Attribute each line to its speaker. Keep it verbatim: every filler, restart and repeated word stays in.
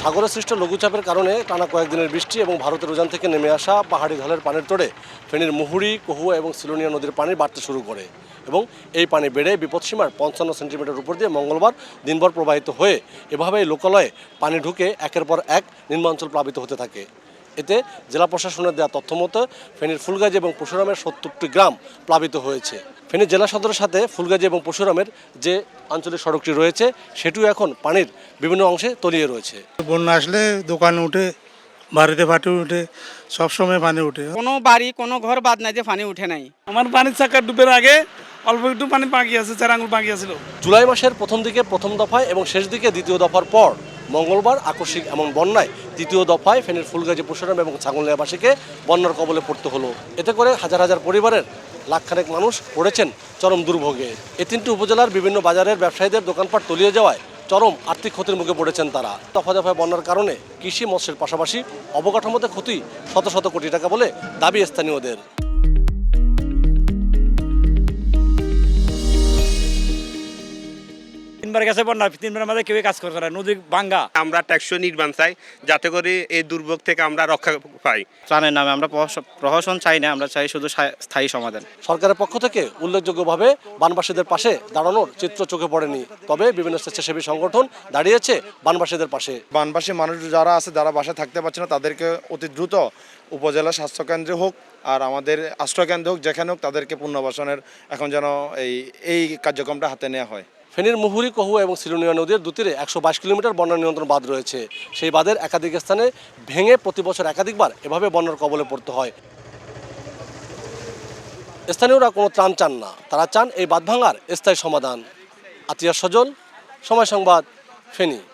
Speaker 1: সাগরে সৃষ্ট লঘুচাপের কারণে টানা কয়েকদিনের বৃষ্টি এবং ভারতের উজান থেকে নেমে আসা পাহাড়ি ঢলের পানির তোড়ে ফেনীর মুহুরী, কহুয়া এবং সিলোনিয়া নদীর পানি বাড়তে শুরু করে এবং এই পানি বেড়ে বিপদসীমার পঞ্চান্ন সেন্টিমিটার উপর দিয়ে মঙ্গলবার দিনভর প্রবাহিত হয়ে এভাবেই লোকালয়ে পানি ঢুকে একের পর এক নিম্নাঞ্চল প্লাবিত হতে থাকে। এতে জেলা প্রশাসনের দেওয়া তথ্য মতো ফেনীর ফুলগাজী এবং পরশুরামের সত্তরটি গ্রাম প্লাবিত হয়েছে। ফেনী জেলা সদরের সাথে ফুলগাজী এবং পরশুরামের যে আঞ্চলিক সড়কটি রয়েছে সেটিও এখন পানির বিভিন্ন অংশে তলিয়ে রয়েছে।
Speaker 2: বন্যা আসলে দোকান উঠে, বাড়িতে পানি উঠে, সবসময় পানি উঠে।
Speaker 3: কোনো বাড়ি কোনো ঘর বাদ নাই যে পানি উঠে নাই।
Speaker 4: আমার পানির চাকা ডুবের আগে অল্প একটু পানি বাকি আছে, চার আঙুল বাকি আছিল।
Speaker 1: জুলাই মাসের প্রথম দিকে প্রথম দফায় এবং শেষ দিকে দ্বিতীয় দফার পর মঙ্গলবার আকস্মিক এমন বন্যায় তৃতীয় দফায় ফেনীর ফুলগাজী, পরশুরাম এবং ছাগলনাইয়াবাসীকে বন্যার কবলে পড়তে হলো। এতে করে হাজার হাজার পরিবারের লাখখানেক মানুষ পড়েছেন চরম দুর্ভোগে। এই তিনটি উপজেলার বিভিন্ন বাজারের ব্যবসায়ীদের দোকানপাট তলিয়ে যাওয়ায় চরম আর্থিক ক্ষতির মুখে পড়েছেন তারা। দফা দফায় বন্যার কারণে কৃষি মৎস্যের পাশাপাশি অবকাঠামোতে ক্ষতি শত শত কোটি টাকা বলে দাবি স্থানীয়দের।
Speaker 4: তিনবার গেছে বন্যা, তিনবার আমাদের কেউ কাজ করতে না, নদী ভাঙ্গা।
Speaker 5: আমরা ট্যাক্সই নির্মাণ চাই যাতে করে এই দুর্ভোগ থেকে আমরা রক্ষা পাই।
Speaker 6: ত্রাণের নামে আমরা প্রহসন চাই না, আমরা চাই শুধু স্থায়ী সমাধান।
Speaker 1: সরকারের পক্ষ থেকে উল্লেখযোগ্যভাবে বানবাসীদের পাশে দাঁড়ানোর চিত্র চোখে পড়েনি, তবে বিভিন্ন স্বেচ্ছাসেবী সংগঠন দাঁড়িয়েছে বানবাসীদের পাশে।
Speaker 7: বানবাসী মানুষ যারা আছে, যারা বাসায় থাকতে পারছে না, তাদেরকে অতি দ্রুত উপজেলা স্বাস্থ্যকেন্দ্রে হোক আর আমাদের আশ্রয়কেন্দ্র হোক, যেখানে হোক, তাদেরকে পুনর্বাসনের এখন যেন এই এই কার্যক্রমটা হাতে নেওয়া হয়।
Speaker 1: ফেনীর মুহুরী, কহুয়া এবং সিলোনিয়া নদীর দুতীরে একশো বাইশ কিলোমিটার বন্যা নিয়ন্ত্রণ বাঁধ রয়েছে। সেই বাঁধের একাধিক স্থানে ভেঙে প্রতি বছর একাধিকবার এভাবে বন্যার কবলে পড়তে হয়। স্থানীয়রা কোনো ত্রাণ চান না, তারা চান এই বাঁধ ভাঙার স্থায়ী সমাধান। আতিয়া সজল, সময় সংবাদ, ফেনী।